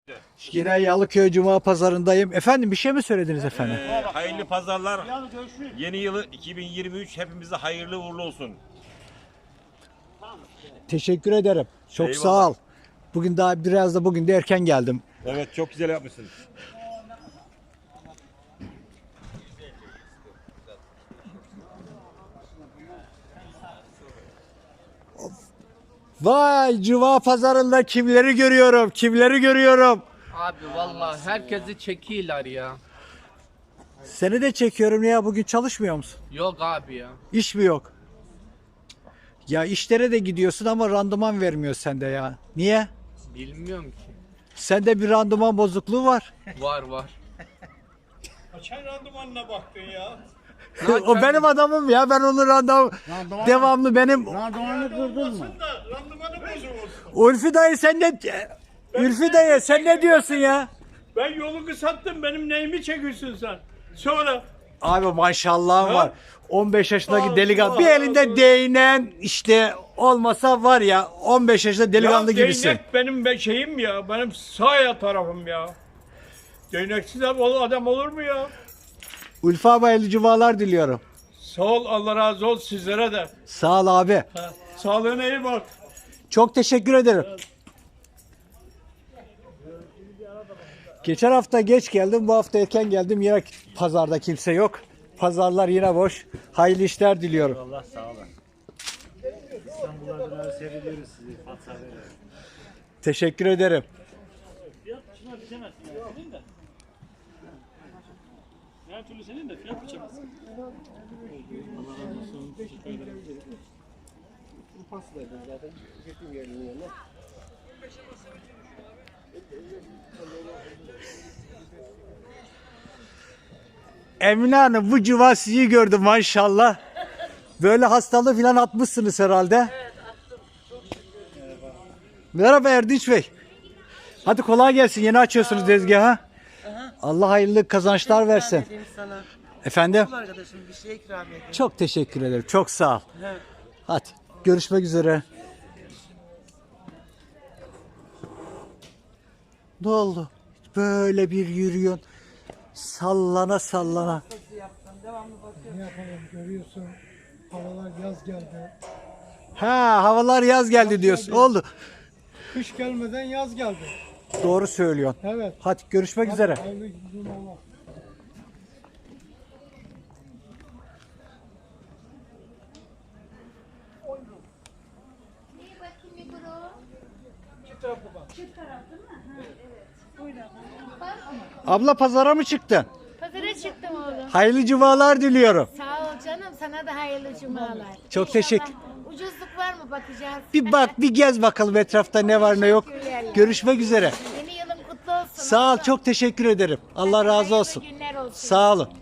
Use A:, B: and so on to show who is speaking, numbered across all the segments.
A: Yine Yalıköy Cuma Pazarındayım. Efendim bir şey mi söylediniz efendim?
B: Hayırlı pazarlar. Yeni yılı 2023 hepimize hayırlı uğurlu olsun.
A: Teşekkür ederim. Çok
B: Eyvallah.
A: sağ ol. Bugün daha biraz da bugün de erken geldim.
B: Evet, çok güzel yapmışsın.
A: Vay Cuma Pazarında kimleri görüyorum? Kimleri görüyorum?
C: Abi vallahi herkesi çekiyorlar ya.
A: Seni de çekiyorum ya. Bugün çalışmıyor musun?
C: Yok abi ya.
A: İş mi yok? Ya işlere de gidiyorsun ama randıman vermiyor sende ya. Niye?
C: Bilmiyorum ki.
A: Sende bir randıman bozukluğu var.
C: Var.
D: Kaçan randımanına baktın ya?
A: O benim adamım ya. Ben onun randıman devamlı benim.
E: Randımanı kırdın mı?
D: Da randımanı bozuk olsun.
A: Ülfü dayı sen ne Ülfü dayı sen ne diyorsun ya?
D: Ben yolu kısalttım, benim neyimi çekiyorsun sen? Sonra
A: Abi maşallahım var. 15 yaşındaki
D: Allah
A: delikanlı. Bir elinde
D: Allah.
A: değnen işte olmasa var ya 15 yaşında delikanlı
D: ya
A: gibisin.
D: değnek benim şeyim ya, benim sağ tarafım ya. Değneksiz adam olur mu ya?
A: Ülfü abi hayırlı cumalar diliyorum.
D: Sağ ol, Allah razı olsun sizlere de.
A: Sağ ol abi.
D: Ha, sağlığına iyi bak.
A: Çok teşekkür ederim. Geçen hafta geç geldim, bu hafta erken geldim. Yine pazarda kimse yok. Pazarlar yine boş. Hayırlı işler diliyorum.
E: Allah sağ olun. İstanbul'da seyrediyoruz sizi.
A: Teşekkür ederim.
D: Her türlü senin de fiyat biçemezsin.
A: Emine Hanım bu cuma sizi gördüm maşallah. Böyle hastalığı falan atmışsınız herhalde. Evet attım. Merhaba Erdinç Bey. Hadi kolay gelsin. Yeni açıyorsunuz tezgahı. Allah hayırlı kazançlar versin.
F: Edeyim sana.
A: Efendim?
F: Bu arkadaşım bir şey ikram edeyim.
A: Çok teşekkür ederim. Çok sağ ol. Hadi görüşmek üzere. Ne oldu? Böyle bir yürüyorsun. Sallana sallana.
G: Ne yapalım görüyorsun havalar yaz geldi.
A: Ha havalar yaz geldi diyorsun. Oldu.
G: Kış gelmeden yaz geldi.
A: Doğru söylüyorsun.
G: Evet.
A: Hadi görüşmek üzere.
G: Hayırlı cumalar.
A: Abla pazara mı çıktın?
H: Pazara çıktım oğlum.
A: Hayırlı cumalar diliyorum.
H: Sağ ol canım, sana da hayırlı cumalar.
A: Çok teşekkür.
H: Ucuzluk var mı bakacağız.
A: Bir bak bir gez bakalım etrafta ne var ne yok. Görüşmek üzere.
H: Yeni yılın kutlu olsun.
A: Sağ ol çok teşekkür ederim. Allah razı
H: Hayırlı
A: olsun.
H: günler olsun.
A: Sağ olun.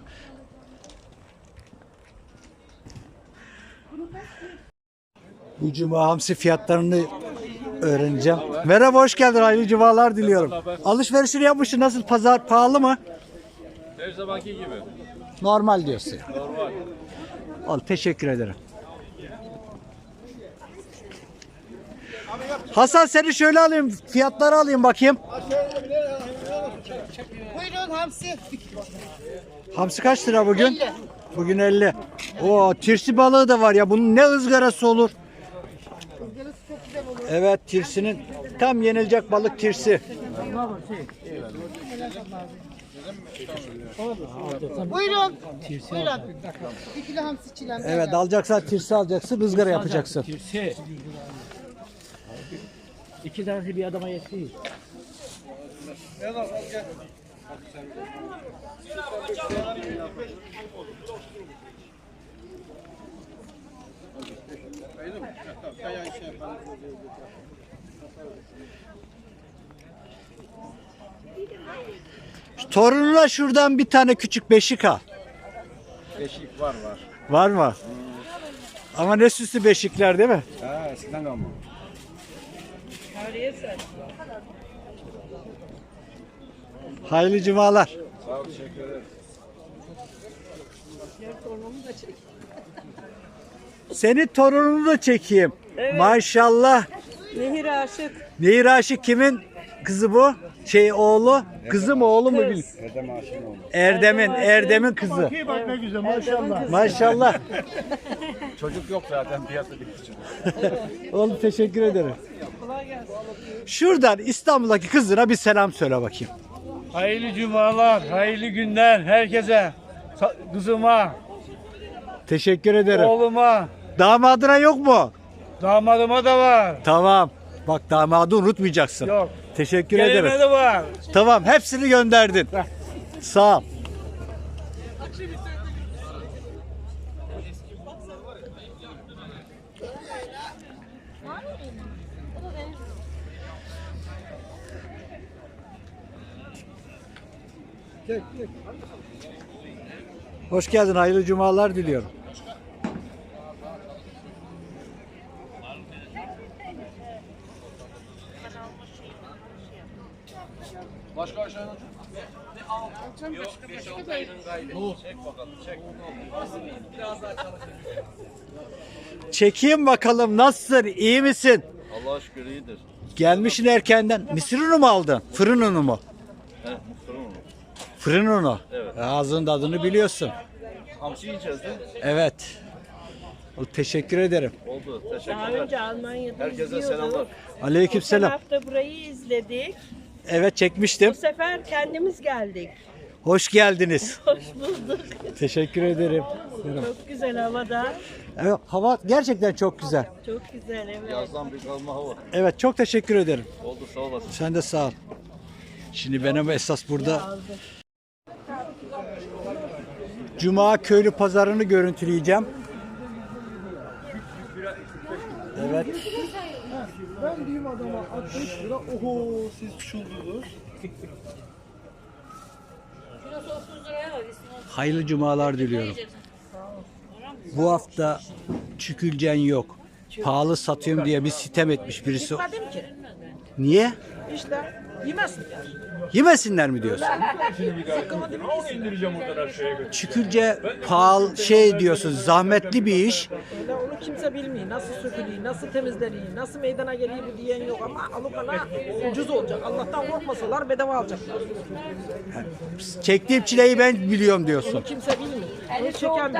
A: Bu cuma hamsi fiyatlarını öğreneceğim. Merhaba hoş geldin. Hayırlı cumalar diliyorum. Alışverişini yapmışsın. Nasıl pazar pahalı mı?
B: Her zamanki gibi.
A: Normal diyorsun. Normal. Al teşekkür ederim. Hasan seni şöyle alayım. Fiyatları alayım bakayım.
F: Buyurun hamsi.
A: Hamsi kaç lira bugün? Bugün 50. Oo, tirsi balığı da var ya. Bunun ne ızgarası olur? Evet, tirsinin tam yenilecek balık tirsi.
F: Buyurun. Buyurun. Bir kilo hamsi çilem.
A: Evet, alacaksan tirsi alacaksın, ızgara yapacaksın.
E: İki tanesi bir adama yetiyor.
A: Torununa şuradan bir tane küçük beşik al.
B: Beşik var.
A: Var mı? Ama ne süslü beşikler değil mi?
B: Ha, eskiden kalma.
A: Hayırlı cumalar.
B: Sağ ol, teşekkür ederim.
A: Senin torununu da çekeyim. Maşallah.
F: Nehir aşık.
A: Nehir Aşık kimin kızı bu? Oğlu, kızı mı oğlu mu? Erdem'in kızı.
G: Bak ne güzel maşallah.
A: Maşallah.
B: Çocuk yok zaten piyasada için.
A: Oğlum teşekkür ederim. Şuradan İstanbul'daki kızına bir selam söyle bakayım.
D: Hayırlı cumalar, hayırlı günler herkese. Kızıma,
A: Teşekkür ederim.
D: oğluma,
A: Damadına yok mu?
D: damadıma da var.
A: Tamam. Bak damadı unutmayacaksın.
D: Yok.
A: Teşekkür
D: Gelime
A: ederim.
D: de var.
A: Tamam hepsini gönderdin. Sağ ol. Hoş geldin. Hayırlı cumalar diliyorum. Çekeyim bakalım nasılsın? İyi misin?
I: Allah'a şükür iyidir.
A: Gelmişsin erkenden. Mısır unu mu aldın? Fırın unu mu?
I: He, muhtarım onu.
A: Fırın unu.
I: Evet.
A: Ağzının tadını biliyorsun.
I: Hamsi yiyeceğiz de.
A: Evet. Teşekkür ederim.
I: Oldu.
F: Daha
I: Teşekkürler.
F: önce Almanya'da
I: Herkese
F: izliyorduk.
I: selamlar.
A: Aleykümselam.
F: Geçen hafta burayı izledik.
A: Evet çekmiştim.
F: Bu sefer kendimiz geldik.
A: Hoş geldiniz.
F: Hoş bulduk.
A: Teşekkür ederim.
F: Çok güzel havada.
A: Evet, hava gerçekten çok güzel.
F: Çok güzel evet.
I: Yazdan bir kalma hava.
A: Evet çok teşekkür ederim.
I: Oldu sağ olasın.
A: Sen de sağ ol. Şimdi benim esas burada Cuma köylü pazarını görüntüleyeceğim. Evet.
G: Ben diyeyim adama 60 lira. Oho siz çıldırdınız.
A: Hayırlı cumalar diliyorum. Bu hafta çükülcen yok. Pahalı satıyorum diye bir sitem etmiş birisi.
J: Gitmedim ki.
A: Niye?
J: İşte yemesinler.
A: Yemesinler mi diyorsun? Çükülce pahalı diyorsun, zahmetli bir iş.
J: Öyle onu kimse bilmiyor. Nasıl sökülüyor, nasıl temizleniyor, nasıl meydana geliyor bu diyen yok ama alukana ucuz olacak. Allah'tan korkmasalar bedava alacaklar.
A: Çektiğim çileyi ben biliyorum diyorsun.
J: Onu kimse bilmiyor. Onu çeken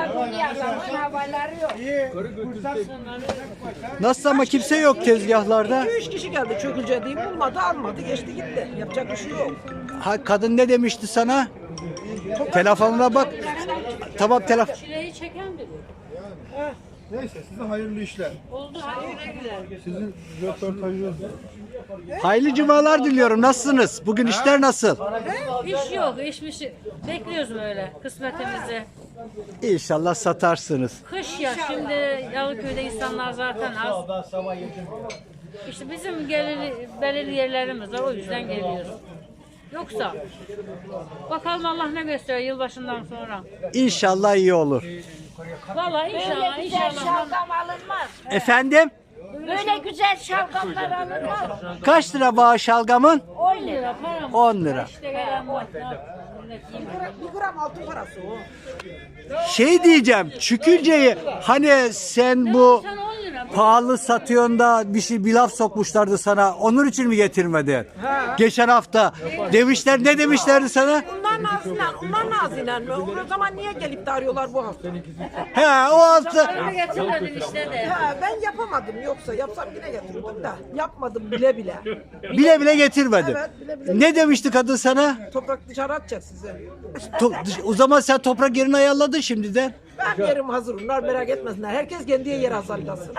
A: Nasıl ama kimse yok tezgahlarda.
J: 2-3 kişi geldi çökülce diyeyim bulmadı almadı geçti gitti. Yapacak bir şey yok.
A: Ha, kadın ne demişti sana? Telefonuna bak. Tamam telefon.
H: Çileyi çeken biri.
G: Neyse size hayırlı işler.
H: Oldu hayırlı güler.
G: Sizin röportajınız.
A: Hayırlı cumalar diliyorum. Nasılsınız? Bugün işler nasıl?
H: İş yok, iş bekliyoruz böyle kısmetimizi.
A: İnşallah satarsınız.
H: Kış ya şimdi Yalıköy'de insanlar zaten az. İşte bizim belirli yerlerimiz var o yüzden geliyoruz. Yoksa bakalım Allah ne gösteriyor yılbaşından sonra.
A: İnşallah iyi olur.
H: Vallahi inşallah.
F: Şalgam alınmaz.
A: Efendim?
F: Böyle güzel şalgamlar alınmaz.
A: Kaç lira bağış şalgamın?
H: 10 lira para mı?
A: 10 lira.
H: İşte gelen bu. Ne yapayım, millet yiyeyim.
J: 1 gram altın parası o.
A: Diyeceğim. Çükülceyi hani sen bu
H: Sen 10 lira.
A: pahalı satıyorsun da bir laf sokmuşlardı sana. Onun için mi getirmedin? Geçen hafta demişler ne demişlerdi sana?
J: Onlar nazilen mi? O zaman niye gelip de arıyorlar bu hafta?
A: He o hafta
H: Öyle getirmedim işte de.
J: Ha, ben yapamadım yoksa yapsam yine getirirdim de. Yapmadım bile bile.
A: bile bile getirmedin.
J: Evet, bile bile.
A: Ne demişti kadın sana?
J: Toprak dışarı atacak size.
A: O zaman sen toprak yerini ayarladın şimdiden.
J: Ben yerim hazır. Onlar merak etmesinler. Herkes kendi yeri hazırlasın.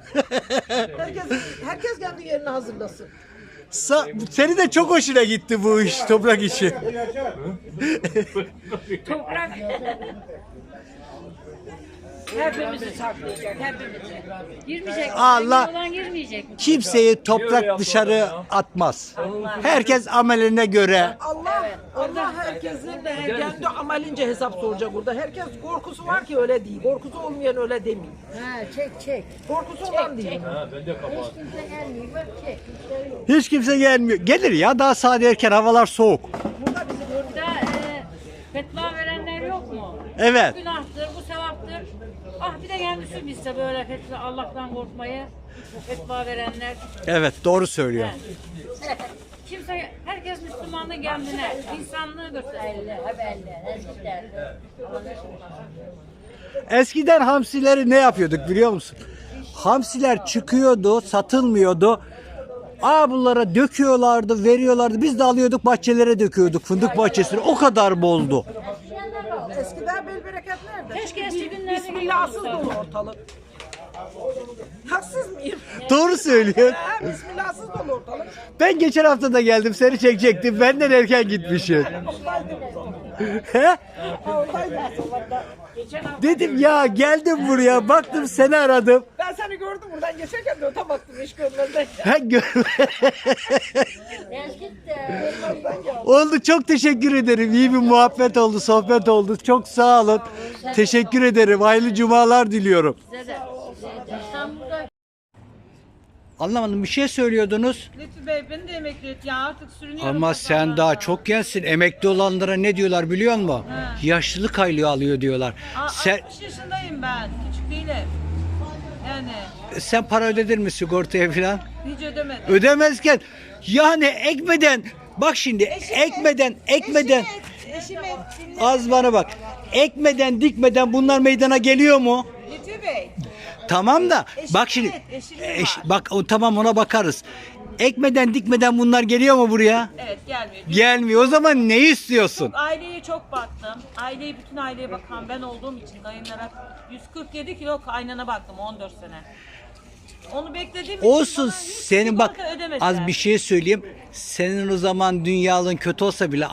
J: herkes kendi yerini hazırlasın.
A: Seni de çok hoşuna gitti bu iş, toprak işi.
H: Toprak hepimizi saklayacak, hepimizi. Girmeyecek.
A: Allah-
H: Olan girmeyecek.
A: Kimseyi toprak dışarı atmaz. Herkes ameline göre.
J: Allah herkesin de kendi amalince hesap soracak burada. Herkes korkusu var ki öyle değil. Korkusu olmayan öyle demiyor.
F: Ha, çek.
J: Korkusu olan değil.
F: Hiç kimse gelmiyor. Bak çek.
A: Hiç kimse gelmiyor. Gelir ya daha saat erken, havalar soğuk.
H: Burada fetva verenler yok mu?
A: Evet.
H: Bu günahtır, bu sevaptır. Ah bir de kendisi bilse böyle fetva, Allah'tan korkmayı fetva verenler.
A: Evet doğru söylüyor.
H: Kimse, herkes Müslümanlığı kendine, insanlığı gösteriyor.
A: Eskiden hamsileri ne yapıyorduk biliyor musun? Hamsiler çıkıyordu, satılmıyordu. Bunlara döküyorlardı, veriyorlardı. Biz de alıyorduk, bahçelere döküyorduk. Fındık bahçesine. O kadar boldu.
J: Eskiden bel bereket nerede?
H: Keşke eski günlerde
J: Bismillahsız dolu ortalık. Haksız mıyım?
A: Doğru söylüyor.
J: Bismillahsız dolu ortalık.
A: Ben geçen hafta da geldim, seni çekecektim. Benden erken gitmişsin. He? Dedim ya, geldim buraya, baktım seni aradım.
J: Ben seni gördüm buradan geçerken de öte baktım iş görmezden.
A: Oldu, çok teşekkür ederim. İyi bir muhabbet oldu, sohbet oldu. Çok sağ olun. Teşekkür ederim. Hayırlı cumalar diliyorum. Anlamadım, bir şey söylüyordunuz.
F: Lütfü Bey beni de emekli et ya artık sürünüyorum.
A: Ama sen daha çok gençsin. Emekli olanlara ne diyorlar biliyor musun? Yaşlılık aylığı alıyor diyorlar. Sen
F: 60 yaşındayım ben. Küçük değilim. Yani
A: sen para ödedin mi sigortaya falan?
F: hiç ödemedim.
A: Ödemezken yani ekmeden, bak şimdi ekmeden
F: Eşim et.
A: az bana bak. Ekmeden dikmeden bunlar meydana geliyor mu?
F: Lütfü Bey.
A: Tamam da bak şimdi bak tamam, ona bakarız. Ekmeden dikmeden bunlar geliyor mu buraya?
F: Evet gelmiyor.
A: Gelmiyor. O zaman ne istiyorsun?
F: Aileye çok baktım. Bütün aileye bakan ben olduğum için dayımlara 147 kilo kaynana baktım 14 sene. Onu beklediğim
A: Olsun,
F: için
A: senin bak
F: ödemediler.
A: az bir şey söyleyeyim. Senin o zaman dünyalığın kötü olsa bile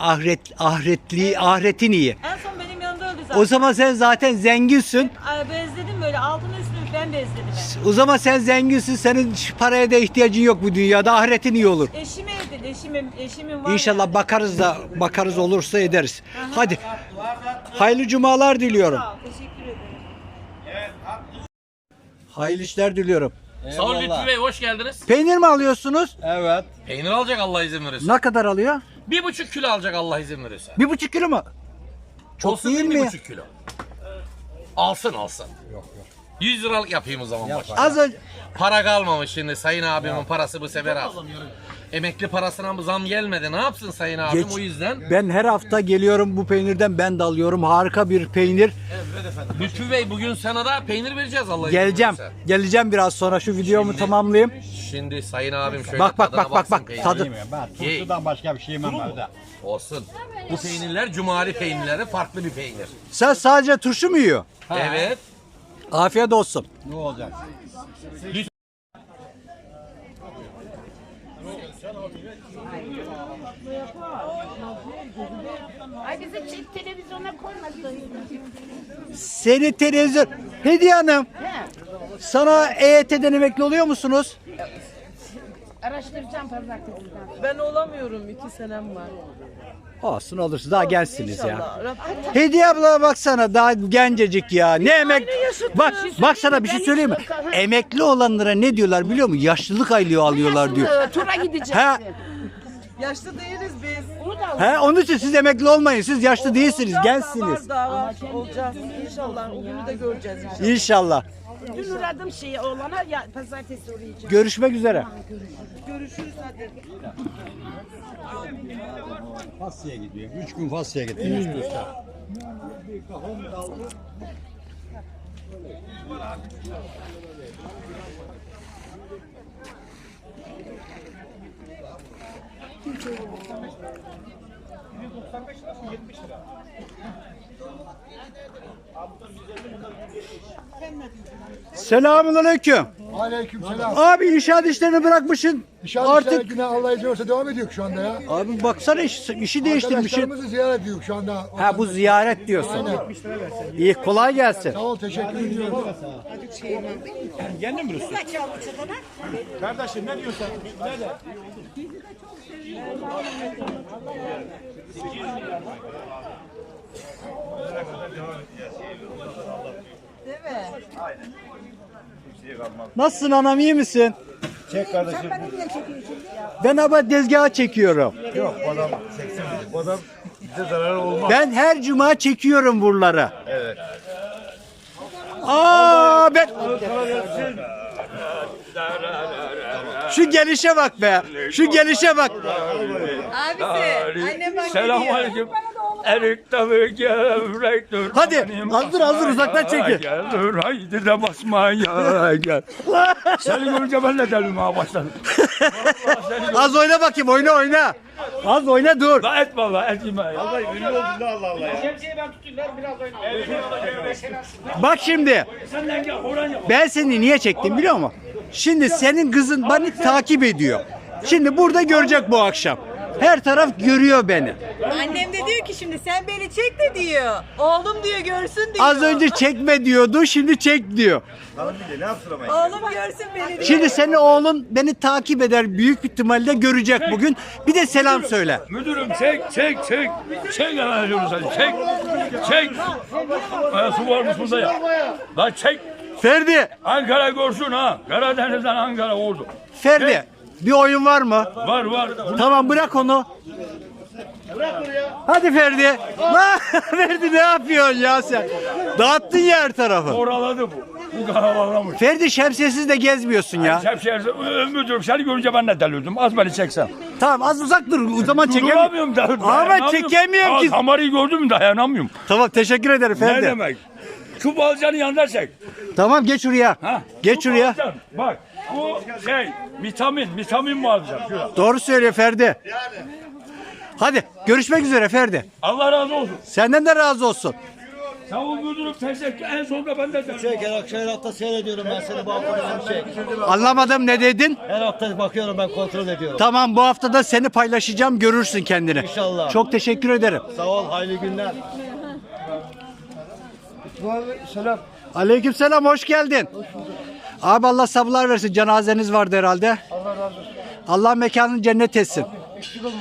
A: ahiretin iyi.
F: En son benim yanımda öldü zaten.
A: O zaman sen zaten zenginsin.
F: Bezledim böyle altını üstünü ben bezledim.
A: O zaman sen zenginsin. Senin paraya da ihtiyacın yok bu dünyada. Ahiretin iyi olur.
F: Eşime edin. Eşimin var.
A: İnşallah
F: yani.
A: bakarız olursa ederiz. Hadi. Hayırlı cumalar diliyorum.
F: Sağ ol, teşekkür ederim.
A: Hayırlı işler diliyorum.
K: Sağ olun Lütfü Bey, hoş geldiniz.
A: Peynir mi alıyorsunuz?
I: Evet.
K: Peynir alacak Allah izin verirse.
A: Ne kadar alıyor?
K: 1,5 kilo alacak Allah izin verirse.
A: 1,5 kilo mu? Çok
K: Olsun
A: değil mi?
K: 1,5 kilo. Alsın. Yok. 100 liralık yapayım o zaman başta.
A: Az önce
K: Para kalmamış şimdi, Sayın abimin parası bu sefer az. Emekli parasına bu zam gelmedi. Ne yapsın Sayın abim, o yüzden.
A: ben her hafta geliyorum bu peynirden, ben de alıyorum. Harika bir peynir.
K: Lütfü Bey, bugün sana da peynir vereceğiz Allah izin
A: Geleceğim.
K: verirse.
A: Geleceğim biraz sonra, şu videomu tamamlayayım.
K: Şimdi Sayın abim şöyle
A: Bak
K: tadına baksın peynirin.
A: tadı.
K: Turşudan
I: başka bir şey yemem evde.
K: Olsun. Bu peynirler cumali peynirleri, farklı bir peynir.
A: Sen sadece turşu mu yiyor?
K: Evet.
A: Afiyet olsun.
I: Ne olacak?
F: Ay bizi televizyona koymadı.
A: Seni televizyon. Hediye Hanım. Sana EYT'den emekli oluyor musunuz?
F: Araştıracağım pazartesiden.
J: Ben olamıyorum 2 senem var.
A: Olsun, olursa daha gençsiniz ya.
J: İnşallah. Rabbim
A: Hediye abla baksana, daha gencecik ya. Ne emek? Bak sana bir şey söyleyeyim mi? Emekli olanlara ne diyorlar biliyor musun? Yaşlılık aylığı alıyorlar diyor.
F: Tura gideceğiz.
A: Ha,
J: yaşlı değiliz biz.
A: onun için siz emekli olmayın. Siz yaşlı değilsiniz, gençsiniz.
J: Daha var olacağız. İnşallah o günü de göreceğiz.
A: İnşallah.
F: Dün uğradım oğlana ya pazartesi uğrayacağım.
A: Görüşmek üzere.
J: Görüşürüz hadi.
I: Fasya'ya gidiyor. 3 gün Fasya'ya gidiyor.
A: Selamünaleyküm.
G: Aleykümselam.
A: Abi inşaat işlerini bırakmışsın.
G: Artık yine Allah izin verirse devam ediyor şu anda ya.
A: Abi baksana işi değiştirmişsin.
G: Arkadaşlarımızı ziyaret ediyor şu anda.
A: Ha, bu ziyaret diyorsun. İyi, kolay gelsin.
G: Sağ ol, teşekkür ediyorum.
D: Kardeşim ne diyorsun? Nerede?
A: Nasılsın anam, iyi misin?
I: Çek kardeşim.
A: Ben ama tezgaha çekiyorum.
I: Yok, bu adam çeksin. Bu adam bize zararı olmaz.
A: Ben her cuma çekiyorum buraları.
I: Evet.
A: Ben Şu gelişe bak be. Şu gelişe bak.
F: Abisi, annem bak
D: Selamünaleyküm. Erik tabi gevrektir.
A: Hadi hazır uzaktan çekin.
D: Gel haydi de basmaya gel. Seni görünce ben de delirmeye başladım.
A: Az oyna bakayım, oyna. Az oyna dur.
D: La et valla et yeme ya.
I: Allah ünlü oldun da Allah Allah ya.
J: Şemsiyeyi ben tutayım ver biraz oynayalım.
A: Bak şimdi.
D: Senden gel oran yap.
A: Ben seni niye çektim biliyor musun? Şimdi senin kızın beni takip ediyor. Şimdi burada görecek bu akşam. Her taraf görüyor beni.
F: Annem de diyor ki şimdi sen beni çek de diyor. Oğlum diyor görsün diyor.
A: Az önce çekme diyordu, şimdi çek diyor.
I: Lan bir de ne yapsın ama?
F: Oğlum görsün beni diyor.
A: Şimdi senin oğlun beni takip eder, büyük ihtimalle görecek bugün. Bir de selam söyle.
D: Müdürüm çek. Çek hemen ediyoruz hadi çek. Su varmış bunda ya. La çek.
A: Ferdi,
D: Ankara görsün ha. Karadeniz'den Ankara oldu.
A: Ferdi. Bir oyun var mı?
D: Var.
A: Tamam bırak onu. Hadi Ferdi. Ferdi ne yapıyorsun ya sen? Dağıttın ya her tarafı.
D: Oraladı bu. Bu karalamış.
A: Ferdi şemsiyesiz de gezmiyorsun ya.
D: Şemsiyesi müdürüm seni görünce ben de delirdim. Az beni çeksen.
A: Tamam az uzak dur. O zaman çekemiyorum.
D: Duramıyorum da.
A: Ama çekemiyorum ki.
D: Kamerayı gördün mü dayanamıyorum.
A: Tamam teşekkür ederim
D: Ne
A: Ferdi.
D: demek? Şu balcanın yanında çek.
A: Tamam geç şuraya.
D: Ha?
A: Geç
D: Şu
A: şuraya.
D: balcan, bak bu vitamin mi alacağım şurada.
A: Doğru söylüyor Ferdi. Hadi görüşmek üzere Ferdi.
D: Allah razı olsun.
A: Senden de razı olsun.
D: Sağ ol müdürüm teşekkür. En sonunda ben de delirdim.
E: Her hafta seyrediyorum ben seni bu hafta çek.
A: Anlamadım ne dedin?
E: Her hafta bakıyorum ben kontrol ediyorum.
A: Tamam bu hafta da seni paylaşacağım görürsün kendini.
E: İnşallah.
A: Çok teşekkür ederim.
E: Sağ ol hayırlı günler.
G: Selam.
A: Aleykümselam hoş geldin. Abi Allah sabırlar versin. Cenazeniz vardı herhalde.
G: Allah razı olsun.
A: Allah mekanını cennet etsin.
G: Eksik olma.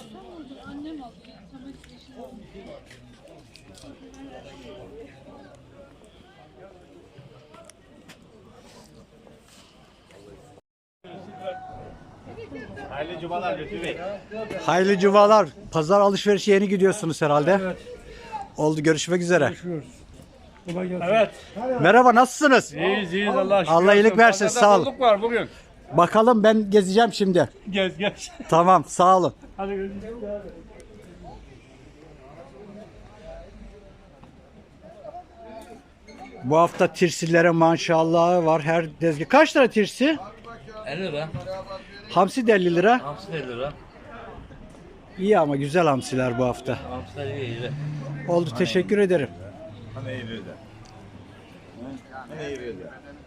I: Hayırlı cumalar Lütfü Bey.
A: Hayırlı cumalar. Pazar alışverişe yeni gidiyorsunuz herhalde.
D: Evet.
A: Oldu görüşmek üzere.
D: Evet.
A: Merhaba nasılsınız?
D: İyiyiz Allah aşkına.
A: Allah iyilik versin sağ olun.
D: Bolluk var bugün.
A: Bakalım ben gezeceğim şimdi.
D: Gez.
A: Tamam sağ olun.
D: Hadi görüşürüz.
A: Bu hafta tirsillere maşallahı var her tezgah. Kaç lira tirsi?
C: 50 lira.
A: Hamsi de 50 lira.
C: Hamsi 50 lira.
A: İyi ama güzel hamsiler bu hafta.
C: Hamsiler iyi.
A: Oldu teşekkür ederim.
I: Hani iyi de. Hani iyi de.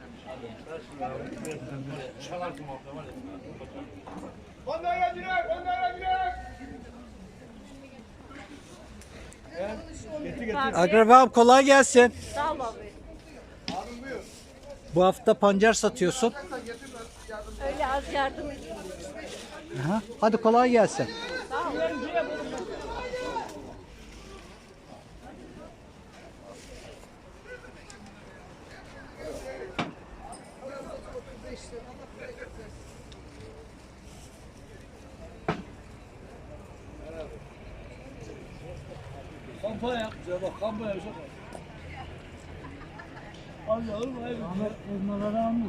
A: Akrabam kolay gelsin.
F: Sağ ol abi.
A: Bu hafta pancar satıyorsun.
F: Öyle az yardım et.
A: Aha, hadi kolay gelsin.
D: Kampanya yapacağız bak kampanya yapacağız. Allah'ım hayır. Onlara almış.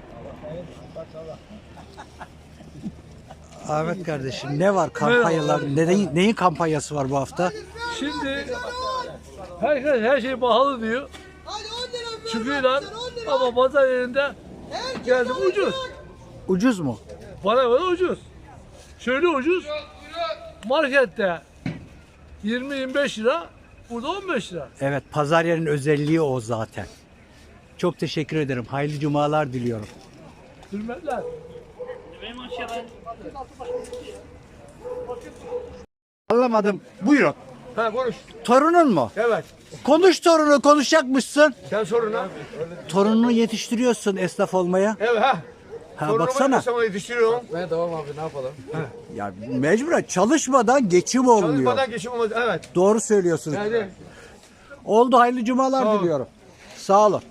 A: Ahmet kardeşim ne var kampanyalar? Neyin kampanyası var bu hafta?
D: Şimdi herkes her şey pahalı diyor. Çıkıyorlar ama pazar yerinde geldim ucuz.
A: Ucuz mu?
D: Bana göre ucuz. Şöyle ucuz. Markette 20-25 lira, burada 15 lira.
A: Evet pazar yerinin özelliği o zaten. Çok teşekkür ederim. Hayırlı cumalar diliyorum.
D: Hürmetler.
A: Anlamadım. Buyurun.
D: Ha konuş.
A: Torunun mu?
D: Evet.
A: Konuş torunu konuşacakmışsın.
D: Sen sorun ha.
A: Torununu yetiştiriyorsun esnaf olmaya.
D: Evet ha.
A: Ha baksana.
D: Sana yetiştiriyorum.
C: Ben devam abi ne yapalım?
A: Ya mecburen çalışmadan geçim olmuyor.
D: Çalışmadan geçim olmaz. Evet.
A: Doğru söylüyorsunuz.
D: Yani
A: Oldu hayırlı cumalar diliyorum. Sağ olun.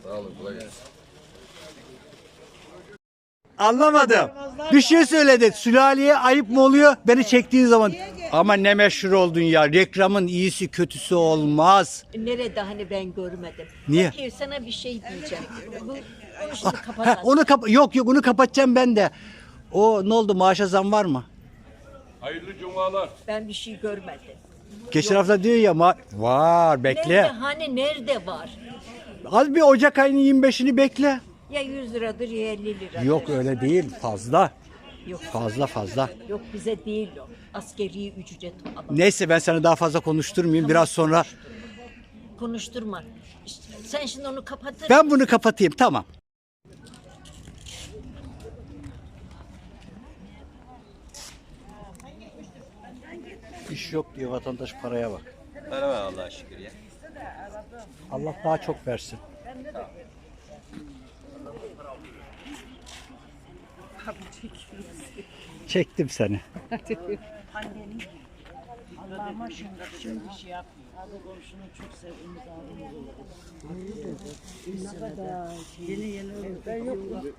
A: Anlamadım. Bir şey söyledi. Sülaleye ayıp mı oluyor? Beni çektiğin zaman. Ama ne meşhur oldun ya. Reklamın iyisi kötüsü olmaz.
F: Nerede hani ben görmedim.
A: Niye?
F: Peki, sana bir şey diyeceğim. Bunu şimdi kapatalım.
A: Yok onu kapatacağım ben de. O ne oldu, maaşa zam var mı?
D: Hayırlı cumalar.
L: Ben bir şey görmedim.
A: Geçen hafta diyor ya var bekle.
L: Nerede, hani nerede var?
A: Az bir Ocak ayının 25'ini bekle.
L: Ya 100 liradır ya 50 liradır.
A: Yok öyle değil, fazla.
L: Yok.
A: Fazla.
L: Yok bize değil o. Askeri ücret alalım.
A: Neyse ben seni daha fazla konuşturmayayım. Biraz sonra
L: Konuşturma. İşte sen şimdi onu kapatır.
A: ben bunu kapatayım, tamam. İş yok diyor vatandaş, paraya bak.
B: Para var Allah'a şükür ya.
A: Allah daha çok versin. Çektim seni.
J: Allah'ıma şimdi şey yap. Abi komşunu çok sevdiğimiz abimiz. Ne kadar yeni ben yok.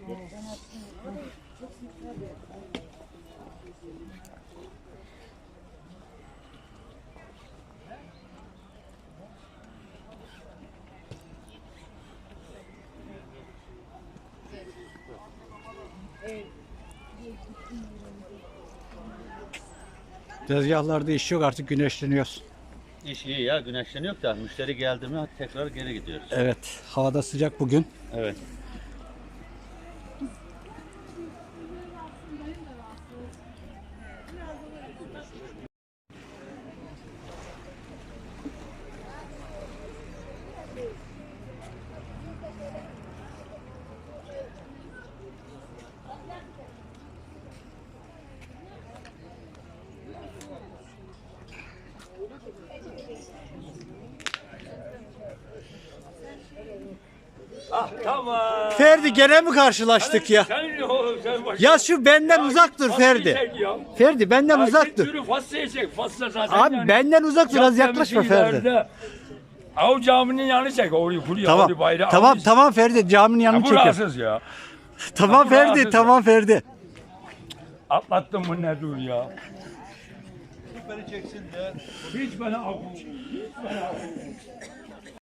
A: Tezgahlarda iş yok, artık güneşleniyoruz.
E: İş iyi ya, güneşleniyor da müşteri geldi mi tekrar geri gidiyoruz.
A: Evet, havada sıcak bugün.
E: Evet.
D: Tamam.
A: Ferdi gene mi karşılaştık ya?
D: Sen oğlum sen bak.
A: Ya şu benden uzak dur Ferdi. Ferdi benden uzak dur.
D: Sürü fasla çek. Fasla zaten
A: Abi
D: yani.
A: benden uzak dur, az
D: Yap
A: yaklaşma
D: temizliği
A: Ferdi.
D: ileride. Av caminin yanı çek. Orayı buraya
A: Tamam.
D: orayı bayrağı.
A: Tamam Ferdi, caminin yanını
D: Bu
A: çekiyor.
D: rahatsız ya.
A: Tamam
D: bu
A: Ferdi,
D: rahatsız
A: tamam Ferdi.
D: Atlattım bu ne dur ya. Hiç beni av.